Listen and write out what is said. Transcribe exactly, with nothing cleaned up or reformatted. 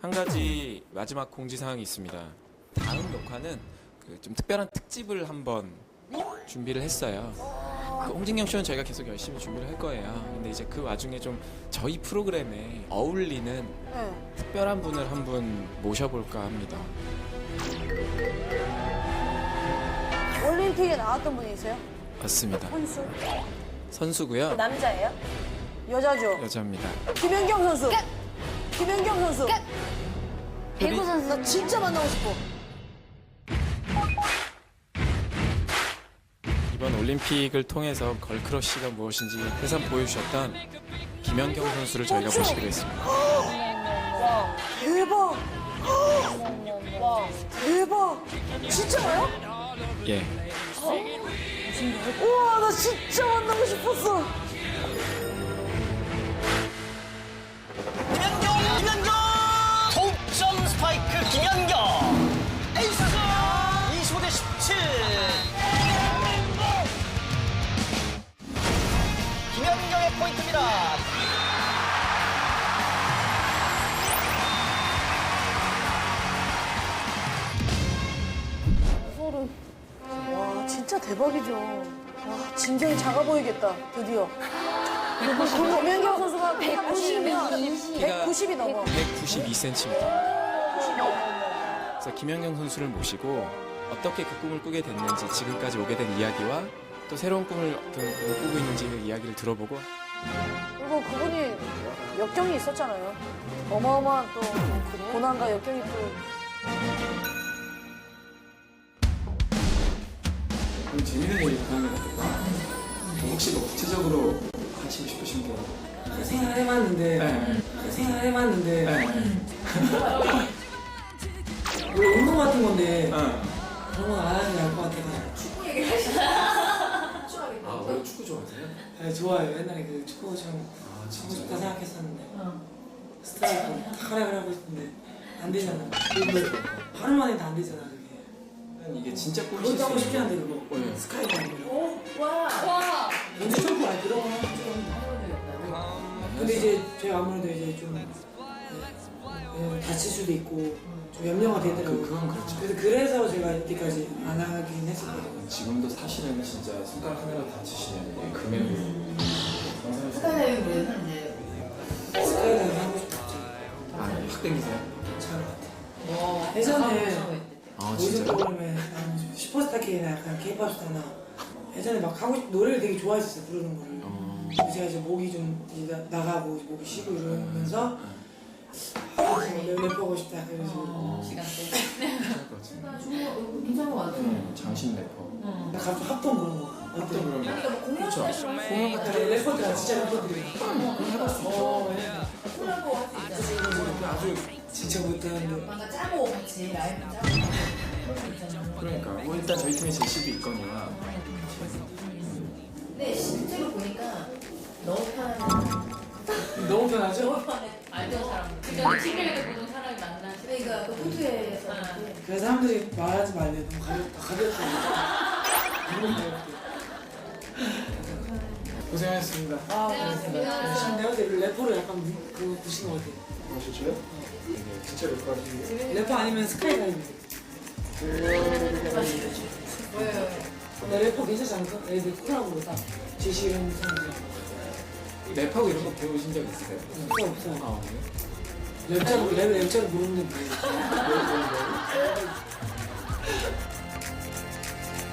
한 가지 마지막 공지사항이 있습니다. 다음 녹화는 그 좀 특별한 특집을 한번 준비를 했어요. 그 홍진경 쇼는 저희가 계속 열심히 준비를 할 거예요. 근데 이제 그 와중에 좀 저희 프로그램에 어울리는 네. 특별한 분을 한 분 모셔볼까 합니다. 올림픽에 나왔던 분이세요? 맞습니다. 선수? 선수고요. 남자예요? 여자죠? 여자입니다. 김연경 선수. 김연경 선수. 배구 선수. 나 진짜 만나고 싶어. 이번 올림픽을 통해서 걸크러쉬가 무엇인지 회상 보여주셨던 김연경 선수를 저희가 그렇죠. 모시기로 했습니다. 대박. 대박. 진짜요? 예. 우와, 나 진짜 만나고 싶었어. 김연경! 김연경! 동점 스파이크 김연경! 에이스! 이십오 대 십칠! 김연경의 포인트입니다. 소름. 와, 진짜 대박이죠. 와, 진정이 작아 보이겠다. 드디어. 그리고 김연경 선수가 백구십이면 백구십이 넘어. 백구십이 센티미터. 그래서 김연경 선수를 모시고 어떻게 그 꿈을 꾸게 됐는지, 지금까지 오게 된 이야기와 또 새로운 꿈을 어떤 꿈을 꾸고 있는지 그 이야기를 들어보고. 그리고 그분이 역경이 있었잖아요. 어마어마한 또 고난과 역경이 또. 그럼 재밌는 얘기 하는 거니까 혹시 뭐 구체적으로 하시고 싶으신 게? 생각해봤는데 네. 생각해봤는데 네. 원래 운동 같은 건데 어. 그런 건 안 하는 게 나을 것 같아서 아, 원래 축구 좋아하세요? 네, 좋아요. 옛날에 그 축구 좀 아, 하고 진짜요? 싶다 생각했었는데 스트라이커 딱 하라 하고 싶은데 안 되잖아. 하루 만에 다 안 되잖아 그게. 이게 진짜 꿈이실 그것도 하고 수 싶지 있는 않은데 그거 네. 스카이가 아니고 와. 언제 점프 안 들어? 근데 이제 제가 아무래도 이제 좀 네, 다칠 수도 있고 좀 염려가 되더라고요. 그- 그건 그렇죠. 그래서 그래서 제가 이때까지 안 하긴 했었거든요. 지금도 사실은 진짜 손가락 하나로 다치시면 금액을 스카이다이빙 뭐예요, 이제? 스카이다이빙 하고 싶다. 아, 확 땡기세요? 괜찮은 것 같아. 와. 예전에 아, 요즘 진짜요? 프로그램에 나는 슈퍼스타 K나 약간 K-팝 스타나 예전에 막 하고 싶, 노래를 되게 좋아했었어요, 부르는 거를. 어. 근데 제가 이제 목이 좀 이제 나, 나가고 목이 쉬고 이러면서 아, 지금 랩하고 싶다. 그래서 어, 시간 때. 괜찮을 것 같은데. 괜찮은 것 같아. 음, 장신 래퍼. 나 갑자기 합동 그런 거. 또 어때? 그러면 그렇죠. 공연 같은 아, 래퍼들 진짜 래퍼들이. 어, 아주 진짜 못하는데. 뭔가 짜고 같이 라이브 짜고. 그런 거 있잖아. 그러니까 뭐 일단 저희 팀에 제시도 있거니와 근데 실제로 보니까 너무 편하게. 너무 편하죠? 너무 편해. 알던 사람. 그러니까 팀에서 보는 사람이 만나. 그러니까 그 호텔에서. 그래서 사람들이 말하지 말래. 너무 가볍다. 가볍다. 너무 가볍다. 고생하셨습니다. 아, 네, 고맙습니다. 지금 내가 볼때 래퍼로 약간 무- 그거 부시는 것 같아. 아, 진짜요? 네, 진짜 래퍼 하시는 래퍼 아니면 스카이다이빙. 나 래퍼 괜찮지 않을까? 애들 쿨하고 딱 제시 이런 사람들. 랩하고 이런 거 배우신 적 있으세요? 없어 없어. 아, 그래요? 랩자를 랩 랩자를 모르는데 뭐.